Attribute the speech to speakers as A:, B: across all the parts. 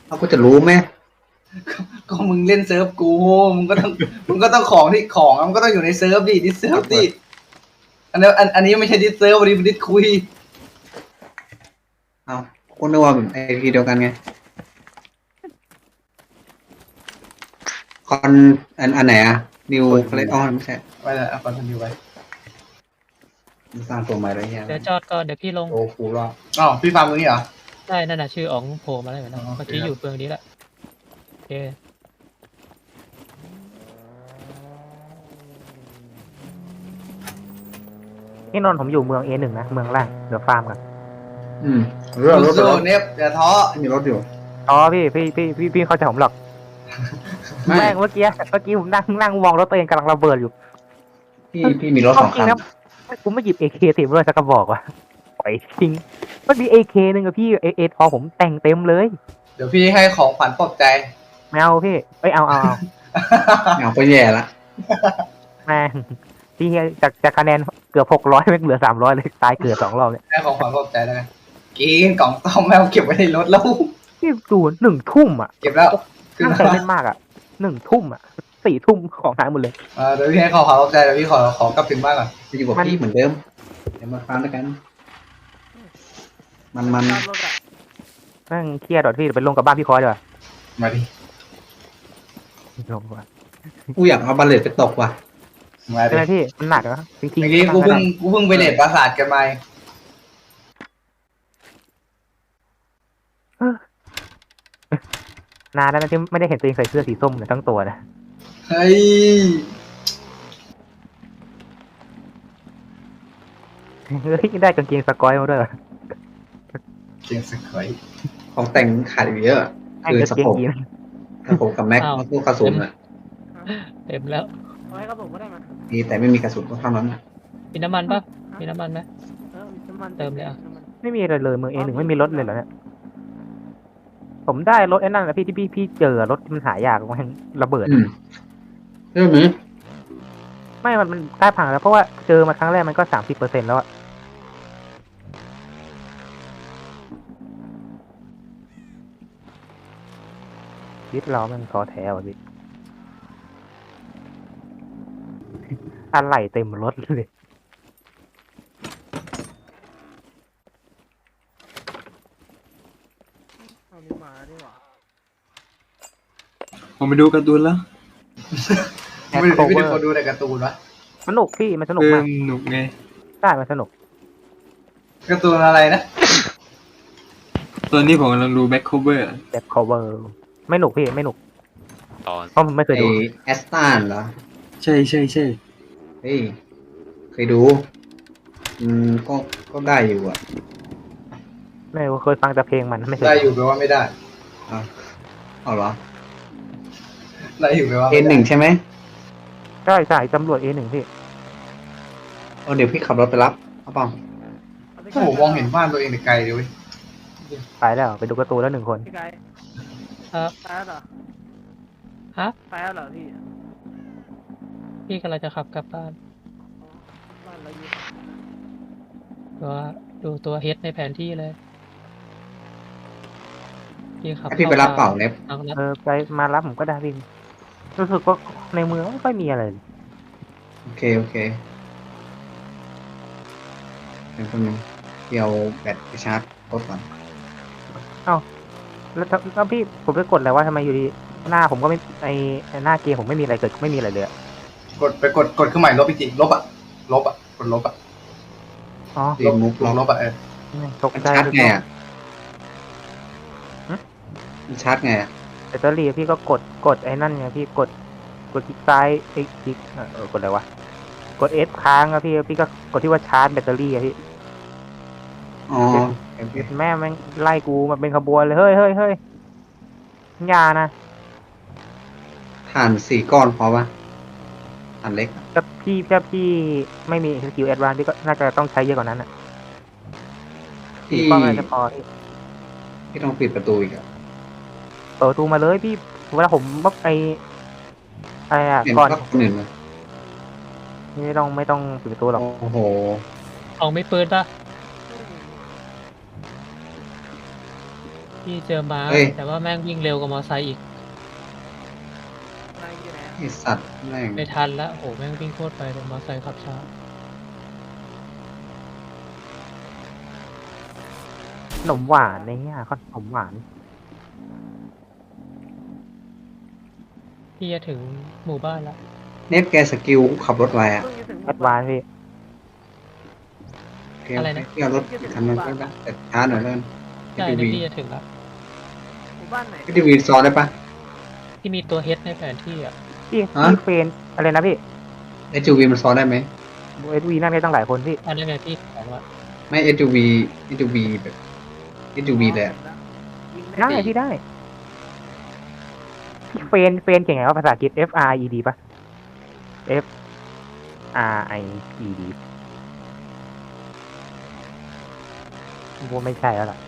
A: เขาก็จะรู้ไหม
B: ก็มึงเล่นเซิร์ฟกูมึงก็ต้องของที่ของมันก็ต้องอยู่ในเซิร์ฟดิดิสเซิร์ฟดิอันนี้ไม่ใช่ดิสเซิร์ฟอันนี้เป็นดิสคุย
A: เอาคนนึกว่าไอพีเดียวกันไงคอนอันไหนอะนิวอะไรอ๋อไม่ใช่
B: ไปเลยเอาคอนทันอยู่ไป
A: สร้างตัวใหม่อะไรเงี้ย
C: เดี๋ยวจอดก่อนเดี๋ยวพี่ลง
A: โอ้คูรอบ
B: อ๋อพี่ฟาร์มตรงนี้เหรอ
C: ได้นั่นน่ะชื่ออ๋องโผล่มาแล้วเห็นไหม
B: อ๋อโอเค
C: เมื่อกี้อยู่เฟืองนี้แหละโอเค
D: นี่นนท์ผมอยู่เมือง A1 นะเมืองล่างเดี๋ยวฟาร์มกัน
A: เรื่องรถ
B: สู้ๆเนฟอย่าท้อ
A: มีรถอยู่
D: อ๋อพี่เข้าใจผมหรอก
A: ไม่
D: แม่งเมื่อกี้ผมนั่งมองรถตัวเองกำลังระเบิดอยู่
A: พี่มีรถสองคัน
D: กูไม่หยิบ AK ติดด้วยสักกระบอกว่ะปล่อยทิ้งมันมี AK นึงอะพี่เอทอผมแต่งเต็มเลย
B: เดี๋ยวพี่ให้ของขวัญปลอบใจ
D: ไม่เอาพี่เอ้ยเอา
A: เอาไปแย่ละ
D: แม่งพี่จากคะแนนเกือบ600แม่งเหลือ300เลยตายเกือบ2 รอบเนี่ย
B: ให้ของขวัญปลอบใจแล้วกันกินกล่องต้มแมวเก็บไว้ในรถแล้ว
D: พี่ดู1 ทุ่มอ่ะ
B: เก็บแล้วขึ้น
D: ตั้ง
B: มา
D: ใจเล่นมากอ่ะ1 ทุ่มอ่ะ4 ทุ่มของหายหมดเลย
B: เดี๋ยวพี่ให้ของขวัญปลอบใจเดี๋ยวพี่ขอกลับถึงบ้านก่อน
A: จะอยู่กับพี่เหมือนเดิมเดี๋ยวมาฟังด้วยกัน มัน
D: แม่งเครียดดอดพี่ไปลงกับบ้านพี่คอยดีกว่า
B: มาดิ
D: ลงว่ะ
A: กูอยากเอาบัลเลตไปตกว่ะ
B: มา
D: ใช่
B: ดิ
D: ไหมพี่มันหนักนะจริง
B: เมื่อกี้กูเพิ่งไปเด็ดปราสาทกันมา
D: นานแล้วนะที่ไม่ได้เห็นตัวเองใส่เสื้อสีส้มเลยทั้งตัวนะ
B: เฮ้ย
D: เฮ้ยได้กางเกงสกอยมาด้วยเหรอ
B: เก่งสักหน่อย
A: ของแต่งขาดอยู่เยอะ
D: ไอ้
A: คือ
D: กาง
A: สะ
D: เกง
A: โพก
D: ยีน
A: สะโพกกับแม็กแล้วก็กระสุนอ่ะ
C: เต็มแล้ว
D: เอาให้กระผมก็ได้มา
A: มีแต่ไม่มีกระสุนก็เท่านั้น
C: มีน้ำมันปะมีน้ำมันไหม เติมเลยอ่ะ
D: ไม่มีอะไรเลยเมือง A1 ไม่มีรถเลยเหรอเนี่ยผมได้รถไอ้นั่นนะพี่ที่พี่เจอรถที่มันหายากมันระเบิด
A: เรื่องนี้
D: ไม่มันใกล้พังแล้วเพราะว่าเจอมาครั้งแรกมันก็30%แล้วอะวิทย์เรามันท้อแท้ว่ะพี่อะไรเต็มรถเลย
E: ผมไปดูการ์ตูนแล้ว
B: ไม่ได้ไม่ได้คนดูแต่การ์ตูนวะ
D: สนุกพี่มันสนุก
E: เพิ่
D: มาก
E: มหนุกไง
D: ใช่มันสนุก
B: การ์ตูนอะไรนะ
E: ตอนนี้ผมกำลังดูแบ็คโคเวอร์
D: แบบ cover ไม่หนุกพี่ไม่หนุก
F: ตอน
D: เพราะผมไม่เคย
A: ไอ
D: ดู
A: แอสตันเหรอ
E: ใช่ใช่ใช่
A: เฮ้ยเคยดูก็ได้อยู่อ่ะ
D: ไม่เคยฟังแต่เพลงมันไม่เคย
B: ได้อยู่แปลว่าไม่ได้
A: เอาเหรอ
B: ได้อยู่แปลว่า
A: เอ็นหนึ่งใช่ไหม
D: ใช่ใช่ตำรวจ A1 พี่
A: เดี๋ยวพี่ขับรถไปรับเอาเปล่า
B: ถ้าผมมองเห็นบ้านตัวเองแต่ไกลเลยเว้ย
D: ไปแล้วไปดูการ์ตูนแล้ว1 คน
G: พี่ไกด์
C: ครับ
G: ตายแล้วเหรอ
C: ฮะ
G: ตายแล้วเหรอพี่
C: พี่กำลังจะขับกลับบ้าน
G: บ้านเราอยู่
C: ดูตัวเฮดในแผนที่เลยพี่ขับ
A: ให้พี่ไปรับเปล่าเน็บ
C: เอาละ
D: ไปมารับผมก็ได้พี่รู้สึกว่าในเมืองไม่ค่อยมีอะไรเลย
A: โอเคเดี๋ยวคนนึงเดี๋ยวแบตไปชาร์จรถก่อน
D: แล้วพี่ผมไปกดอะไรว่าทำไมอยู่ดีหน้าผมก็ไม่ไอหน้าเกมผมไม่มีอะไรเกิดไม่มีอะไรเลยอะ
B: กดเครื่องหมายลบอีกทีลบอ่ะกดลบอ่ะ
D: อ๋อ
A: เรียนมุก
B: ล
A: ล็อบ ก
B: ลบอ่ะ
D: ตก
A: มัน
D: ใจ
A: ชาร์จไงอ่ะมันชาร์จไงอ่ะ
D: แบตเตอรี่พี่ก็กดไอ้นั่นไงพี่กดคลิกซ้ายไอ้คลิกกดอะไรวะกด F ค้างอะพี่ก็กดที่ว่าชาร์จแบตเตอรี่อะพี่
A: อ๋อโอเค
D: แม่แม่งไล่กูมาเป็นขบวนเลยเฮ้ยอย่านะ
A: ถ่าน4 ก้อนพอปะถ่านเล็กอะ
D: ถ้าพี่ไม่มีสกิลแอดวานซ์พี่ก็น่าจะต้องใช้เยอะกว่านั้นอ่ะ
A: พี่
D: ป้องอะไรจะพอพี่
A: พี่ต้องปิดประตูอีกอ่ะ
D: เปิดประตูมาเลยพี่เวลาผมมักอะไรอ่ะ
A: เห็น
D: ก่อน
A: ก็คนอื่นเลย
D: ไม่ต้องปิดประตูหรอก
A: โอ้โห
C: เอาไม่ปืนปะพี่เจอม้า
A: เฮ้ย
C: แต่ว่าแม่งวิ่งเร็วกว่ามอไซค์อีก
G: นายอยู่ไหนอะ
A: ไอสัตว์แม่ง
C: ไม่ทันละโหแม่งวิ่งโคตรไปเลยมอไซค์ขับช้า
D: ขนมหวานเนี่ยขนมหวาน
C: พี่จะถึงหมู่บ้านละ
A: เน็ตแกสกิลขับรถไวอ่ะ
G: เพิ่งจะถึงห
D: แอ
G: มู่
D: ดวานซ์พี่
A: โอเคพี่เอารถคันนั้นก็ได้แต่ช้าหน่อยแล้วกัน
C: ใช่
A: SUV
C: นี่พี่จะถึงละ
G: หมู่บ้านไหน
A: SUV ซ้อนได้ปะ
C: ที่มีตัวเฮดในแผนที่อ่ะ
D: พี่
A: ฮะ
D: พี่เฟรนอะไรนะพี่
A: SUV มันซ้อนได้ไหม
D: เอสวีนั่งได้ตั้งหลายคนพี่
C: อันนั้นไงพี่ของละ
A: ไม่ SUV แบบ SUV เลยอะ
G: ยิง
D: ได้พี่ได้พี่เฟรนเก่งไงว่าภาษาอังกฤษ F R E D ปะ F R I E D ว่าไม่ใช่แล้วล่ะ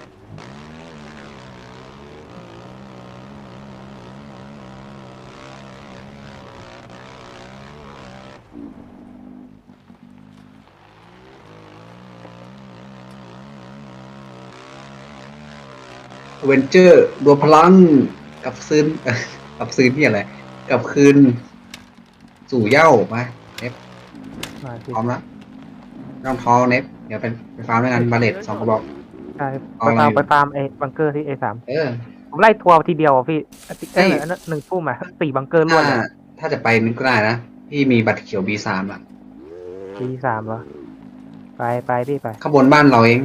A: เวนเจอร์รวมพลังกับคืน กับคืนที่อะไรกับคืนสู่เหย้ามาเน็ต
D: มาพี่
A: พร้อมแล้วต้องท้อเน็ตเดี๋ยวไปฟาร์มด้วยกันบาเลต2 กระบอก
D: ใช่
A: เอา
D: ไป
A: อะไร
D: ฟาร์ม
A: อยู่
D: ไปฟาร์มไอ้บังเกอร์ที่ A3
A: เออ
D: ผมไล่ทัวร์ทีเดียวอะพี่
A: เฮ้ย
D: อันนั้น1 ทุ่มอ่ะ4 บังเกอร์รวดเลย
A: ถ้าจะไปนึกก็ได้นะพี่มีบัตรเขียว B3 อ่ะ
D: B3เหรอไปพี่ไป
A: ข้างบนบ้านเราเอง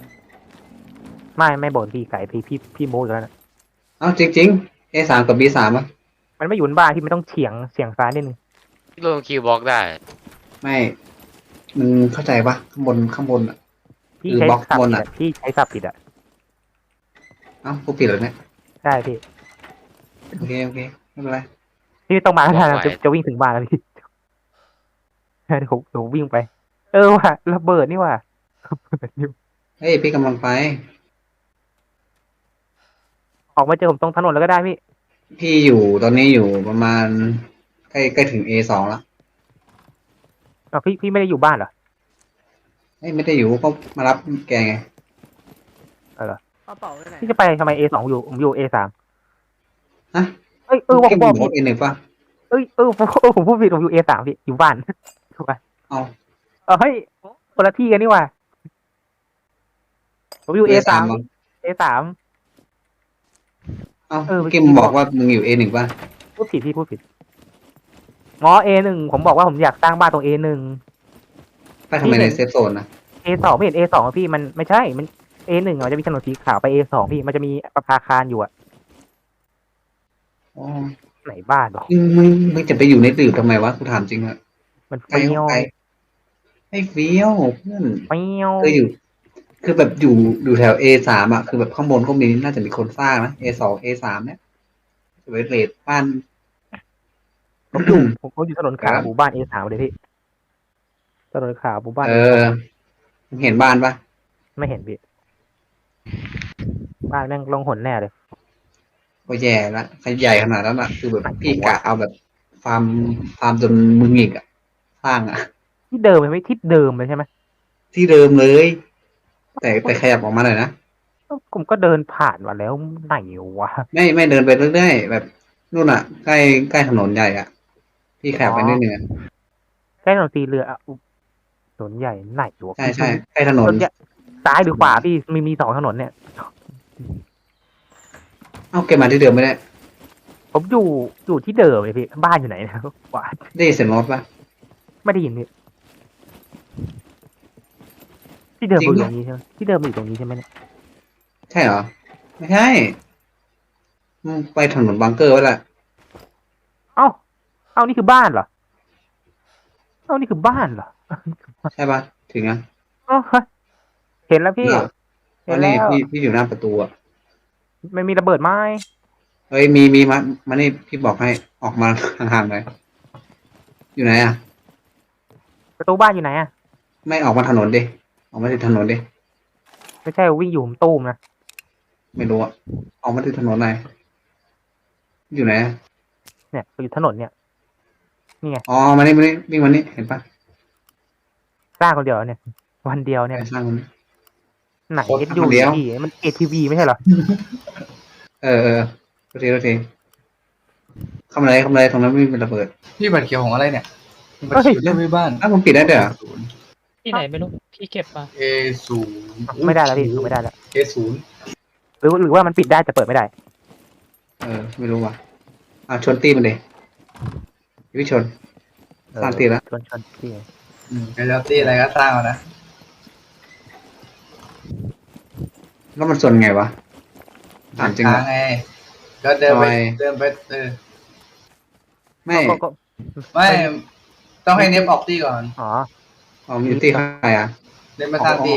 D: ไม่บ่นพี่ไก่พี่โม้อยู่แล้วนะ
A: เอ้าจริงๆ A3 กับ B3 อ่ะ
D: มันไม่อยู่บนบ้านที่มันต้องเฉียงซ้ายนิดนึง
F: พี่ลงคิวบล็อกได้
A: ไม่มึงเข้าใจปะข้างบนอ่ะ
D: พี่
A: คือ
D: ใช้
A: บล็อก
D: สับบ
A: น
D: ผิด
A: อะ
D: อะพี่ใช้สับผิดอ่ะ
A: เอ้ากูผิดแล้วเนี่ย
D: ใช่พี่
A: โอเคไม่เป็นไร
D: พี่ต้องมาแล้ว
F: บล็อก
D: นะ
F: ไว้
D: จะวิ่งถึงบ้านแล้วพี่ เดี๋ยวผมวิ่งไป ว่ะระเบิดนี่ว่ะระเบิดนี่
A: เฮ้ยพี่กำลังไป
D: ออกมาเจอผมตรงถนนแล้วก็ได้พี่
A: พี่อยู่ตอนนี้อยู่ประมาณใกล้ถึง A2 แล้ว
D: พี่ไม่ได้อยู่บ้านเหรอ
A: เฮ้ยไม่ได้อยู่ก็มารับแกไง
G: กระเป๋าไปไหน
D: พี่จะไปทำไม A2 ผมอยู่ A3
A: ฮะ
D: ว่า
A: แก
D: ผม
A: บบ อ
D: อก ก
A: A1 ป่ะ
D: ผมพูดผิดผมอยู่ A3 พี่อยู่บ้านถูกป่ะ
A: เอา
D: เฮ้ยคนละที่กันนี่ว่ะผมอยู่ A3
A: เหรอ
D: A3
A: เอา
D: เออ
A: เกมบอกว่ามึงอยู่ A1 ป่ะ
D: พูดผิดอ๋อ A1 ผมบอกว่าผมอยากสร้างบ้านตรง A1
A: ไปทำไมในเซฟโซนนะ
D: A2 ไม่เห็น A2 อะพี่มันไม่ใช่มัน A1 อะมันจะมีถนนสีขาวไป A2 พี่มันจะมีประภาคารอยู่อะ
A: อ๋อ
D: ไหนบ้านหรอ
A: มึงจะไปอยู่ในตื่นทำไมวะกูถามจริงอะ
D: มัน
A: ไกล
D: เปรี้ยว
A: ไกลให้เฟี้ยวเพื่อน
D: เปรี้ยว
A: คือแบบอยู่แถว A3 อ่ะคือแบบข้างบนก็มีน่าจะมีคนสร้างนะ A2 A3 เนี่ยจะไปเรทบ้าน
D: ผมอยู่ถนนขาวหมู่บ้าน A3 เลยพี่ถนนขาวหมู่บ้าน
A: เออมึงเห็นบ้านปะ
D: ไม่เห็นพี่บ้านแม่งลงหนแน่เลย
A: ก็แย่ละใครใหญ่ขนาดนั้นอ่ะคือแบบพี่กะเอาแบบฟาร์มจนมึงอีกอ่ะสร้างอ่ะ
D: ที่เดิมเลยไหมที่เดิมเลยใช่ไหม
A: ที่เดิมเลย แต่ขยับออกมาหน่อยนะ
D: ผมก็เดินผ่านมาแล้วไหนวะ
A: ไม่เดินไปเรื่อยๆแบบนู่นอ่ะใกล้ถนนใหญ่อ่ะพี่ขยับไปนิดนึงอะ
D: ใกล้ถนนสีเรืออ่ะอุ๊ยถนนใหญ่ไหนวะ
A: ใช่ใกล้ถน
D: ถ
A: น
D: นนใหญ่ซ้ายหรือขวาพี่มีสองถนนเนี่ย
A: เอ้าแกมาที่เดิมไม่ได้
D: ผมอยู่ที่เดิมเลยพี่บ้านอยู่ไหนนะขวา
A: ได้ยินเสียงรถปะ
D: ไม่ได้ยินพี่ที่เดิม
A: จริ
D: มัน
A: ง
D: อยู่
A: เหรอ
D: ตรงนี้ใช่ไหมที่เดิมมันอยู่ตรงนี้ใช่ไหมเนี่ย
A: ใช่เหรอไม่ใช่มึงไปถนนบังเกอร์ไว้ละ
D: เอ้านี่คือบ้านเหรอนี่คือบ้านเหรอ
A: ใช่ปะถึงอ่ะ
D: เอ้าเฮ้ยเห็นแล้วพี่
A: เหรอ
D: เห็
A: วัน
D: นแล้
A: นี้
D: ว
A: พี่อยู่หน้าประตูอ่ะ
D: ไม่มีระเบิดไหม
A: เฮ้ยมีมานี่พี่บอกให้ออกมา ห่างๆหน่อยอยู่ไหนอ่ะ
D: ประตูบ้านอยู่ไหนอ่ะ
A: ไม่ออกมาถนนดิออกมาที่ถนนดิ
D: ไม่ใช่วิ่งอยู่ผมตู้มนะ
A: ไม่รู้อ่ะออกมาที่ถนนไหนอยู่ไหนอะ
D: เนี่ยอยู่ถนนเนี่ย
A: อ๋อมานี่วิ่งมานี่เห็นปะ
D: สร้างคนเดียวเนี่ย วันเดียวเนี่ย
A: ไปสร้างมัน
D: หนัง
A: โคตร
D: SU
A: คนเดียว
D: พี่มัน ATV ไม่ใช่เหรอ
A: โทษทีทำอะไรตรงนั้นไม่มีระเบิด
B: พี่บัตรเขียวของอะไรเนี่ยบัตรเขียวเรื่องไม่บ้าน
A: อ้าวผมปิดได้เด้อ
C: ที่ไหนไม่รู้พี่เก็บมา
B: A0
D: ไม่ได้แล้วพี่ไม่ได้แล้ว
B: A0
D: หรือว่ามันปิดได้แต่เปิดไม่ได้
A: ไม่รู้ว่ะชนตีมันเลยพี่ชน สร้างตีแล้ว
D: ชนที่
B: ไปแล้วตีอะไรก็สร้างเอานะ
A: แล้วมันชนไงวะถามจริง
B: ทา
A: เหรอ
B: ไงก็เดินไป
A: ทำไม ไม่
D: ก็
B: ไม่ต้องให้เนฟออกตีก่อน
D: อ๋อ
A: มีตีใครอ่ะ
B: เดินมาสร้างตี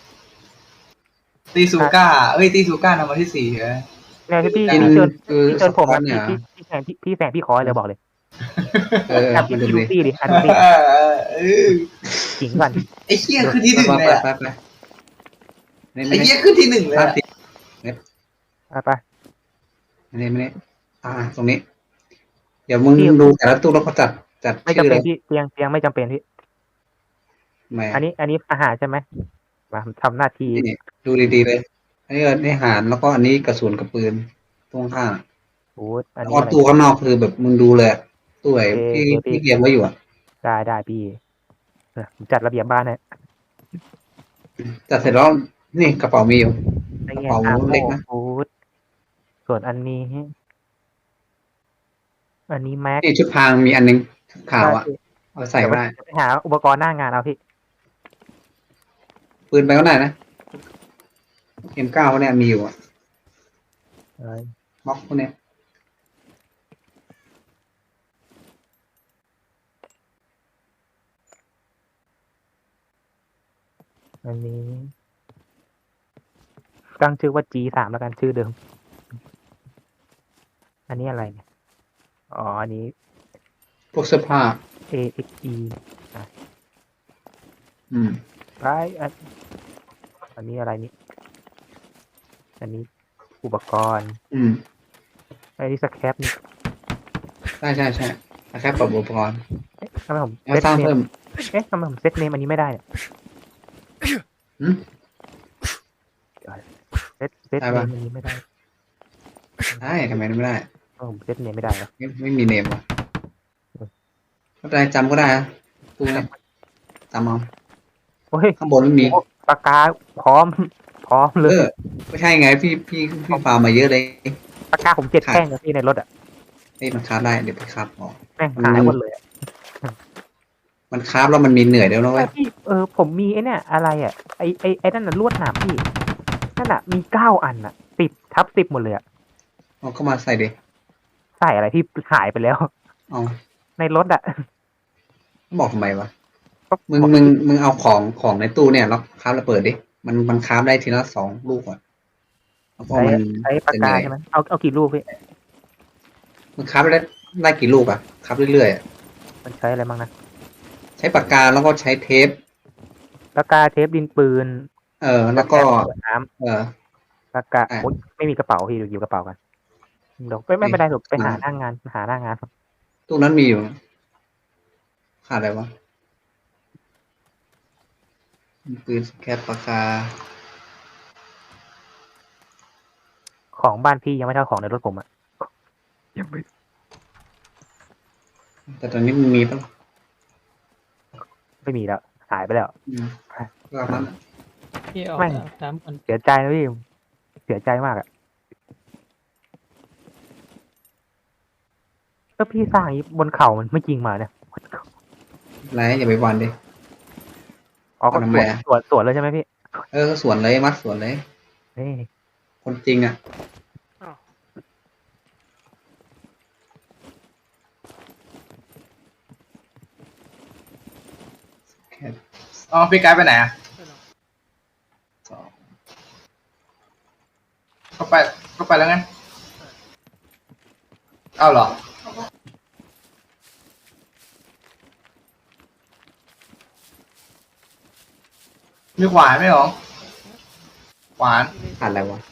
B: ตีซูก้าตีซูก้านำมาที่สี่เหรอ
D: เนี่ยพี่
A: กิน
D: พี่เชิญ
A: คือ
D: พี่เชิญผม
A: สปอ
D: อะ
A: นเนี่ย
D: พี่แสงพี่ขอเลยบอกเลย
A: มัน
D: พี่
A: ดู
D: ดู
A: ดิ
D: ตี้ดิดูตี้ ขิงก่อน
B: ไอ้เหี้ยขึ้นที่หนึ่งเลยอะ
A: ไปนี่
B: ไอ้เหี้ยขึ้นที่หนึ่งเลย
A: สร้าง
B: อะ
A: ตี
D: ไป
A: ไม่ตรงนี้ เดี๋ยวมึงดูแต่ละตู้แล้วก็จัด
D: ไม่
A: ชื่
D: จำ
A: อเล
D: เป็น
A: ย
D: พี่เตียงไม่จำเป็นพี่
A: ไม่
D: อันนี้อาหารใช่ไหมมาทำหน้าที่
A: นี่ดูดีๆเลย อันนี้อาหารแล้วก็อันนี้กระสุนกับปืนตรงข้าง
D: โอ้อัน
A: แล้ว
D: นี้
A: ก็
D: อะไร
A: ตู้ข้างนอกคือแบบมึงดูเลยอะตู้ไหนที่
D: โอเคพี่
A: ที่เรียงไว้อยู่อ่ะ
D: ได้พี่ผมจัดระเบียบบ้านเนี่ย
A: จัดเสร็จแล้วนี่กระเป๋ามีอยู่
D: ไอ้
A: กระ
D: เงี้ย
A: เป๋า
D: อาโม
A: เล็กนะ
D: ฟูดส่วนอันนี้แม็ก
A: นี่ชุดพรางมีอันนึงขาวอ่ะเอาใส่ก็ได้
D: ไปหาอุปกรณ์หน้างานเอาพี่
A: ปืนไปก็ได้นะ M9 พวกเนี้ยมีอยู่อ่ะม็อกพวกเนี้ย
D: อันนี้ตั้งชื่อว่า G3 แล้วกันชื่อเดิม อันนี้อะไรเนี่ยอ๋ออันนี้
A: พวกเสื้อผ้า
D: AXE
A: อืม
D: ไรอันนี้อะไรนี่อันนี้อุปกรณ์
A: อืม
D: อันนี้สแครปนี่
A: ใช่แค่ปรับอุปกรณ์
D: ทำไมผม
A: แล้วสร้างเพิ่ม
D: ทำไมผมเซตเนมอันนี้ไม่ได้เนี่ย
A: หืม
D: เซตเนมอันนี้ไม่ได้
A: ได้ทำไมไม่ได้
D: ผมเซตเนมไม่ได้เหรอ
A: ไม่มีเนมว่ะไม่เป็นไรจำก็ได้นะตู้เนี้ยจำเอา
D: โอ้ย
A: ข้างบนไม่มี
D: ปากกาพร้อมเลย
A: ไม่ใช่ไงพี่ฟาร์มมาเยอะเลย
D: ปากกาผม7 แท่งนะพี่ในรถอ่ะ
A: มันคราฟได้เดี๋ยวไปคราฟออก
D: แม่งหายหมดเลยอะ
A: มันคราฟแล้วมันมีเหนื่อยเดี๋ยวนะเว้ย
D: พี่ผมมีไอ้เนี่ยอะไรอ่ะไอ้นั่นน่ะลวดหนามพี่นั่นน่ะมี9 อันอ่ะ10/10หมดเลยอ่ะ
A: เอาเข้ามาใส่ดิ
D: ใส่อะไรพี่หายไปแล้ว
A: เอา
D: ในรถอ่ะ
A: บอกทำไมวะมึงเอาของในตู้เนี่ยแล้วคราฟแล้วเปิดดิมันคราฟได้ทีละ2 ลูกอ่ะแล้วก็มัน
D: ใช้ปากกาใช่ไหมเอากี่ลูกพี่
A: มันคราฟได้กี่ลูกอ่ะคราฟเรื่อยๆอะ
D: มันใช้อะไรบ้างนะ
A: ใช้ปากกาแล้วก็ใช้เทป
D: ปากกาเทปดินปืน
A: แล้วก็
D: น้
A: เออ
D: ำปากกา
A: อ่ะ
D: โอ๊ยไม่มีกระเป๋าพี่อยู่กระเป๋ากันเดี๋ยวไม่เป็นไรหรอกไปหาหน้างาน
A: ตู้นั้นมีอยู่ขาดอะไรวะปืนแคปปากกา
D: ของบ้านพี่ยังไม่เท่าของในรถผมอ่ะยังไม่
A: แต่ตอนนี้มันมีปะ
D: ไม่มีแล้วหายไปแล้ว
A: ก็เอานั้นอะ
C: พี่ออก
D: ไม่
C: น้ำก่อน
D: เสียใจนะพี่เสียใจมากอ่ะก็พี่สร้างอย่างนี้บนเขามันไม่จริงมาเนี่ย
A: ไรอย่าไปวันดิ
D: อ๋อก็
A: ทำไมอะ
D: สวนเลยใช่ไหมพี่
A: สวนเลยมัดสวนเลย
D: นี่
A: คนจริงอ่ะ แค่
B: อ๋อพี่ไกด์ไปไหนอ่ะ
A: สอง
B: ก็ไปแล้วไงเอาเหรอมีขวานไหมหรอขวาน
A: ขาดอะไรวะ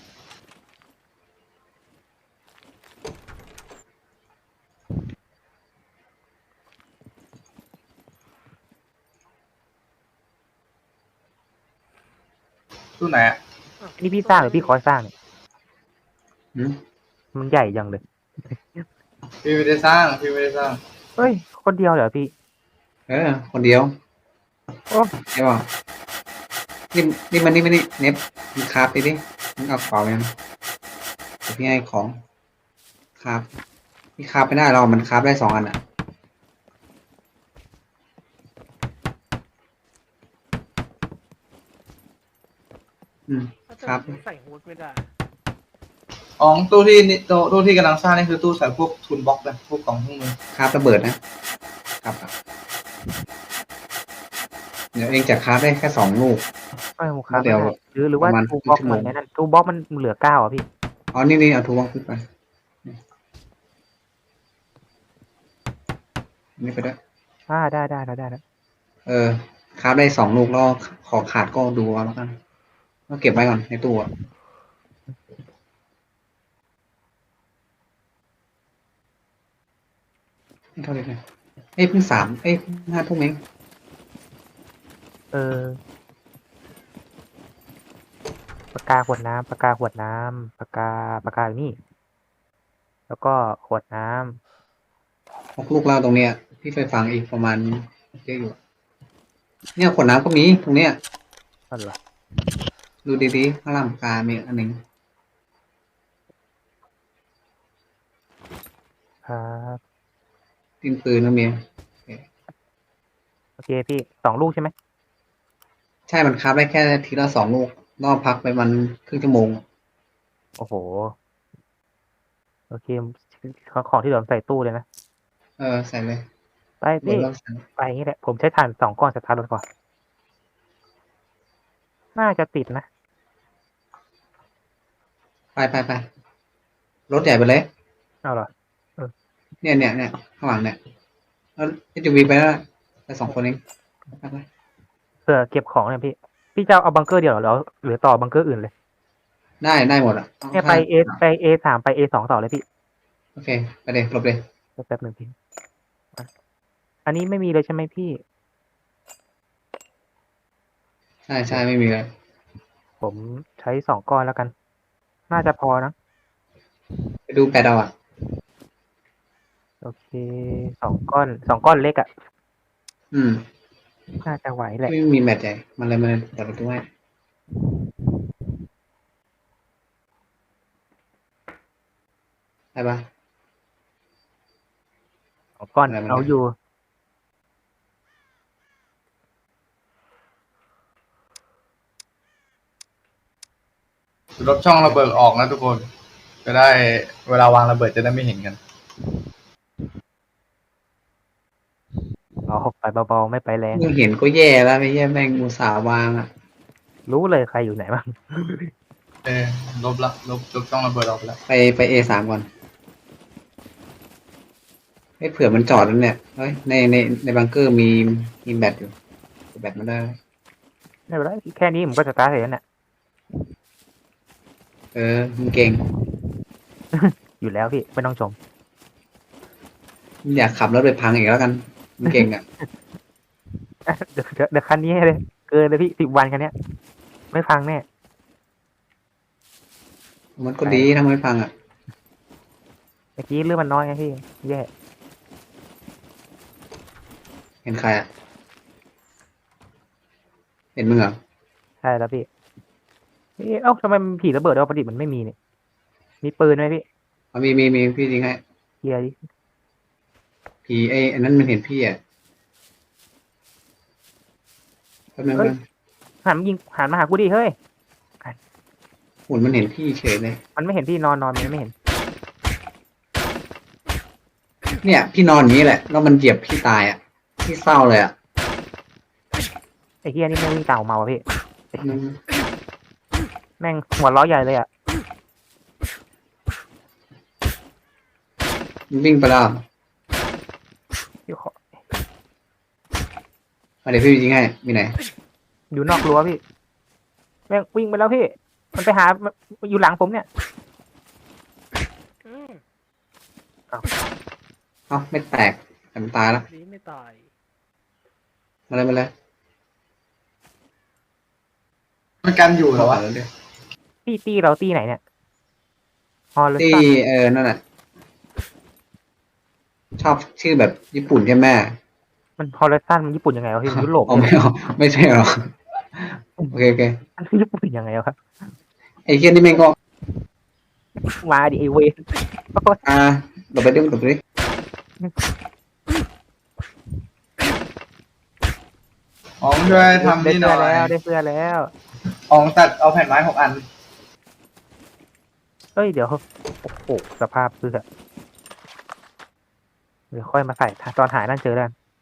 B: ตู้ไหนอะ
D: อันนี้พี่สร้างหรือพี่คอยสร้างเนี่ย
A: หืม
D: มันใหญ่จังเลย
B: พี่ไม่ได้สร้างพี่ไม่ได้สร้าง
D: เฮ้ย คนเดียวเหรอพี่
A: คนเดียว
D: โอ้
A: ใช่ป่ะนี่มันนี่เน็บมึงคราฟดิมึงเอาของยังเดี๋ยวพี่ให้ของคราฟพี่คราฟไม่ได้หรอกมันคราฟได้2 อันอ่ะครับ
G: ใส่ฮูดไม่ได้
B: อ๋อตู้ที่นี่ตู้ที่กำลังสร้างนี่คือตู้ใส่พวกทูลบ็อกซ์เลยพวกกล่องเครื่องมือ
A: คราฟระเบิดนะครับเดี๋ยวเองจะคราฟได้แค่2 ลูก
D: ไม่ผมครับ
A: เดี๋ยว
D: หรือว่า
A: ประมาณ
D: ทูบ็อก
A: ครึ่งชั่วโม
D: มั
A: ง
D: นนั่นทูบ็อกมันเหลือ9อ่ะพี่
A: อ๋อนี่เอาทูวองขึ้นไปนี่ไปด้วย
D: ได้
A: คราฟได้2 ลูกแล้วของขาดก็ดูเอาแล้วกันก็เก็บไว้ก่อนในตู้อะไม่เท่าไหร่เลยเพิ่ง3เพิ่ง5 ทุ่มเอง
D: ปากกาขวดน้ำปากกาอยู่นี่ แล้วก็ขวดน้ำ
A: 6 ลูกแล้วตรงเนี้ยพี่ไปฟังอีกประมาณเยอะอยู่เนี่ยขวดน้ำก็มีตรงเนี้ย
D: นั่นเหรอ
A: ดูดีๆข้างล่างปากกามีอันหนึ่ง
D: ครับ
A: ดินปืนก็มี
D: โอเคพี่2 ลูกใช่ไหม
A: ใช่มันคราฟได้แค่ทีละ2 ลูกนอกพักไปมันครึ่งชั่วโมง
D: โอ้โห โอเคของที่เหลือใส่ตู้เลยนะ
A: ใส่เลย
D: ไป
A: หมด
D: พี่
A: แล้วใส่
D: ไปอย่างนี้แหละ ผมใช้ถ่าน2 ก้อนสตาร์ทรถก่อน น่าจะติดนะ
A: ไปรถใหญ่ไปเลย
D: เอาเหรอ
A: เนี่ยข้างหลังเนี่ยแล้วจะวีไปแล้วไป2 คนเองไป
D: เผื่อเก็บของเนี่ยพี่ พี่จะเอาบังเกอร์เดียวเหรอหรือต่อบังเกอร์อื่นเลย
A: ได้หมดอ่ะ
D: เนี่ยไป A3 ไป A2 ต่อเลยพี่
A: โอเคไปเลยหลบเลย
D: แป๊บหนึ่งพี่อ่ะอันนี้ไม่มีเลยใช่ไหมพี่
A: ใช่ไม่มีเลย
D: ผมใช้2 ก้อนแล้วกัน น่าจะพอนะ
A: ไปดูแปดเอาอ่ะ
D: โอเค2 ก้อนเล็กอ่ะ
A: อืม
D: น่าจะไหวแหละ
A: ไม่มีแมตช์ใหญ่มันเลยเปิดประตูให้ได้ปะ
D: 2 ก้อน
A: อะไรมัน
D: เอาอยู่
B: ลบช่องระเบิดออกนะทุกคน จะได้เวลาวางระเบิดจะได้ไม่เห็นกัน
D: เอาไปเบาๆไม่ไปแรง
A: มึงเห็นก็แย่แล้วไม่แย่แม่งอุตส่าห์วางอ่ะ
D: รู้เลยใครอยู่ไหนบ้าง
B: ลบช่องระเบิดออกไปแล้ว
A: ไปA3ก่อนเผื่อมันจอดแล้วเนี่ยเฮ้ยในบังเกอร์มีแบตอยู่แบตมันได้
D: ไม่เป็นไรแค่นี้ผมก็สตาร์ทเสร็จแล้วเนี่ย
A: มึงเก่ง
D: อยู่แล้วพี่ไม่ต้องชม
A: มึงอยากขับรถไปพังอีกแล้วกันมึงเก่งอ่ะ
D: เดี๋ยวคันนี้ให้เลย เกินเลยพี่10 วันคันเนี้ย ไม่พังแน่
A: มันก็ดีทำไมพังอ่ะ
D: เมื่อกี้เรื่องมันน้อยไงพี่แย่
A: เห็นใครอ่ะเห็นมึงเหรอ
D: ใช่แล้วพี่เอ้าทำไมมันผีระเบิดปกติมันไม่มีเนี่ยมีปืนไหมพี่
A: มีพี่จริงให้
D: เคลียร์ดิ
A: ผีอันนั้นมันเห็นพี่อ่ะแป๊บนึง
D: หันมาหากูดิเฮ้ย
A: หุ่นมันเห็นพี่เฉยเลย
D: มันไม่เห็นพี่นอนมันไม่เห็น
A: เนี่ยพี่นอนอย่างนี้แหละแล้วมันเหยียบพี่ตายอ่ะพี่เศร้าเลยอ่ะ
D: ไอ้เฮียนี่แม่งวิ่งตามออกมาว่ะพี่
A: มึง
D: แม่งหัวล้อใหญ่เลยอ่ะ
A: วิ่งไปแล้ว
D: พี่ขอ
A: เดี๋ยวพี่จริงให้มีไหน
D: อยู่นอกรั้วพี่ แม่งวิ่งไปแล้วพี่ มันไปหาอยู่หลังผมเนี่ย
A: เอ้าไม่แตกแต่มันตายแล้ว
G: ดีไม่ตาย
A: มาเลย
B: มันกันอยู่เหรอวะ
D: ตี้เราตี้ไหนเนี่ยฮอลเล
A: ที่
D: สัน
A: นั่นน่ะชอบชื่อแบบญี่ปุ่นใช่ไหม
D: มันฮอลเลสันมันญี่ปุ่นยังไงวะพี่มันยุโรป
A: อ๋อไม่เอาไม่ใช่หรอโอเคโอเค
D: มันญี่ปุ่นยังไงวะ
A: ไอ้เคียนี่แม่งก็
D: มาดิไอเวน
A: หลบไปดิหลบไปดิ
B: อ๋องช่วยทำ
D: ได้
B: นี่ห
D: เสื้
B: น่
D: อ
B: อย
D: แล้วได้เสื้อแล้ว
B: อ๋องตัดเอาแผ่นไม้6 อัน
D: เฮ้ยเดี๋ยวโอ้โหสภาพเสื้อเดี๋ยวค่อยมาใส่ตอนหายนั่นเจอแล้ว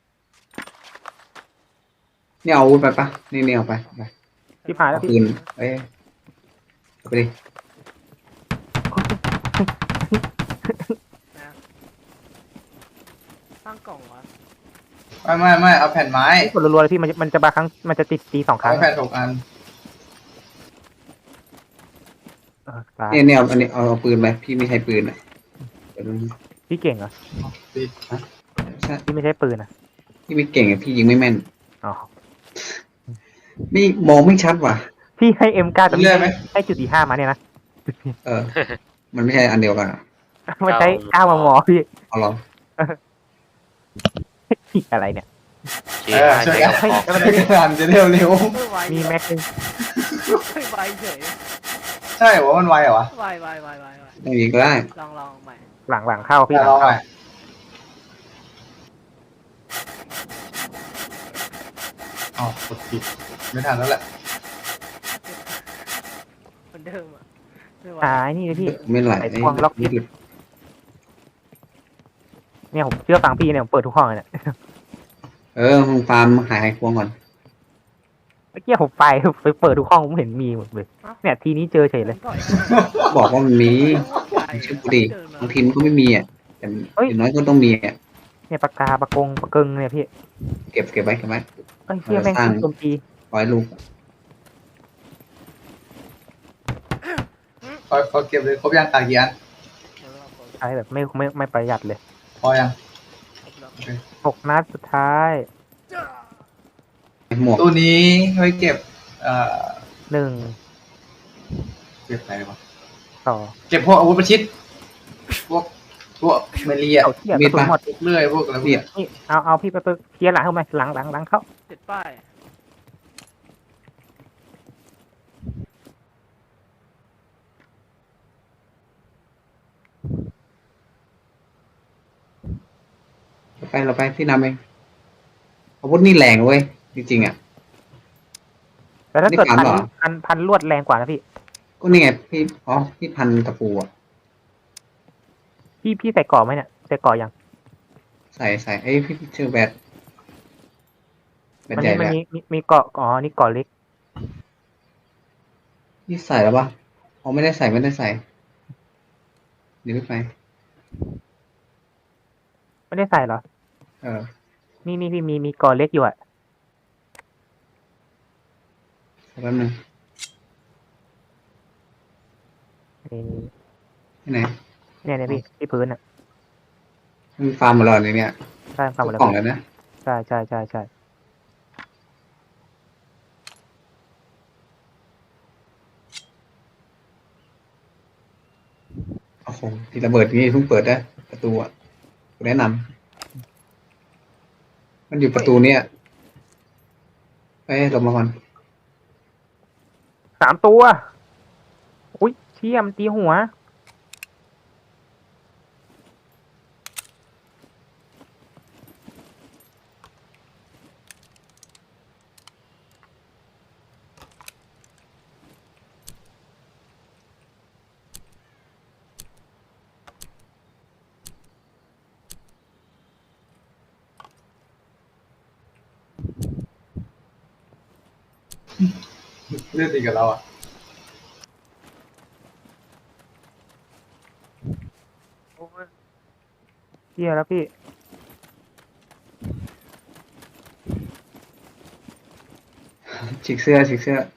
A: นี่เอาอาวุธไปปะนี่เอาไป
D: ที่ผ่านแล้ว
A: เอา
D: พี่
A: ปืนเอาไปดิ
G: ตั้งกล่องวะ
B: ไม่เอาแผ่นไม้
D: กดรัวๆเลยพี่มันจะบางครั้งมันจะติดตี2 ครั้ง
B: เอาแผ่น6 อัน
D: ตาย
A: เนี่ยอันนี้เอาปืนไปพี่ไม่ใช้ปืนอ่ะเดี๋ยวดู
D: พี่เก่งเหรอ
A: ใช่
D: พี่ไม่ใช่ปืนอ่ะ
A: พี่ไม่เก่งอ่ะพี่ยิงไม่แม่น
D: อ๋อ
A: ไม่มองไม่ชัดว่ะ
D: พี่ให้ M9 แต่พี่
B: เลื่อนไหม
D: ให้จุด45มาเนี่ยนะ
A: มันไม่ใช่อันเดียวกันอะ
D: มันใช้9 มมพี่
A: เอาหรอ
D: พี่อะไรเนี่ย
B: ช่วยกัน
D: เฮ้ย
B: ช่วยกันจะเร็ว
G: ไม่ไว
D: มีแม็กซ์
G: ไม่ไวเฉย
B: ๆใช่เหรอมันไวเหรอวะ
G: ไวไว
A: ไม่ยิงก็ได้
G: ลองใหม่
D: หลังเข้าพี่หลัง
B: ลอง
D: เข้า
B: ใหม่อ๋อกดผิดไม่ทันแล้วแหละ
G: เหมือนเดิมอ่ะไม่ไว
D: นี่เลยพี่
A: ไม่ไหล
D: ไอ้พวงล็อกอิน เนี่ยผมเชื่อฟังพี่เนี่ยผมเปิดทุกห้องเลยเนี่ย
A: มึงฟาร์มหายควงก่อน
D: เมื่อกี้ผมไปเปิดทุกห้องผมเห็นมีหมดเลยเนี่ยทีนี้เจอเฉยเลย
G: ต่อย
A: บอกว่ามันมี
G: ใหญ่
A: ชื่อกูดิบางทีมันก็ไม่มีอ่ะแต่อย่างน้อยก็ต้องมีอ่ะ
D: เนี่ยปากกาปากกงปากกึงเนี่ยพี่
A: เก็บไว้
D: เอ้ยเชี่ยแม่ง
A: สร้าง
D: โจมตี
A: ร้อยลูก
B: ขอเก็บเลยครบยังตากี่อัน
D: ใช้แบบไม่ประหยัดเลย
B: พอยัง
D: 6 นัดสุดท้าย
A: หมวก
B: ตู้นี้ไว้เก็บ
D: 1
B: เก็บอะไรวะ
D: 2
B: เก็บพวกอาวุธประชิด พวกเมลีอะ
D: เอาเที่ยกระสุนหมด
B: เลื่อยพวกอะไรพวก
A: เนี่
B: เนี้
A: ย
B: ย
D: นี่เอาพี่ไปเคลียร์หลังเข้ามาหลังเข้า
G: ติดป้าย
A: เราไปพี่นำเองอาวุธนี่แรงเว้ยจริงๆอ่ะ
D: แต่ถ้าเกิด
A: นี่ผ่านเหรอ
D: พันลวดแรงกว่านะพี่
A: ก็นี่ไงพี่พันตะปูอ่ะ
D: พี่ใส่ก่อไหมเนี่ยใส่ก่อยัง
A: ใส่พี่ชื่อแบต
D: มัน
A: ใหญ่
D: มัน
A: แล้ว
D: มีเกาะนี่เกาะเล็ก
A: นี่ใส่แล้วปะไม่ได้ใส่เดี๋ยวไป
D: ไม่ได้ใส่เหรอ นี่พี่มีเกาะเล็กอยู่อ่ะ
A: แป๊บนึง
D: นี่
A: ที่ไหน
D: เนี่ยพี่ที่พื้นอ่ะ
A: มีฟาร์มหมดแล้วเนี่ย
D: ใช่ฟังหมด
A: ทุ
D: แล้
A: ก
D: ว
A: กล่องแล้วนะ
D: ใช่
A: โอ้โหที่ระเบิดนี่เพิ่งเปิดได้ประตูอ่ะกูแนะนำมันอยู่ประตูเนี่ยลงมาก่อน
D: 3 ตัวอุ้ยเชี่ยมันตีหัว
B: เลื่อนตีกับเราอ่ะ
D: เชี่ยแล้วพี่
A: ฉีกเสื้อ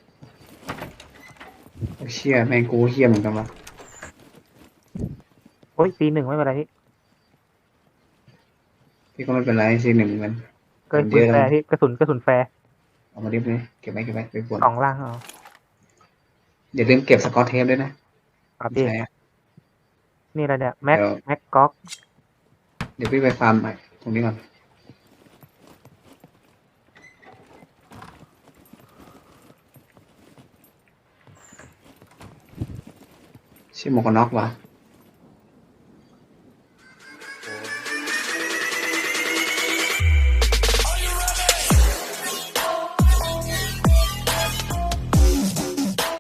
A: โอ้เชี่ยแม่งกูเฮี้ยเหมือนกันวะ
D: โอ้ยC1ไม่เป็นไรพี่
A: พี่ก็ไม่เป็นไรซีหนึ่งมัน
D: กระสุนแฟร์พี่กระสุนแฟร์
A: เอามาดิบเลยเก็บไว้ไปปวด
D: 2 ล่างเอา
A: อย่าลืมเก็บสกอตเทปด้วยนะครับ
D: พี่
A: ใช่อะ
D: นี่อะไรเนี่ยแม็ก
A: เดี๋ยว
D: แม็กก๊อก
A: เดี๋ยวพี่ไปฟาร์มใหม่ตรงนี้ก่อนชื่อหมวกกันน็อกวะ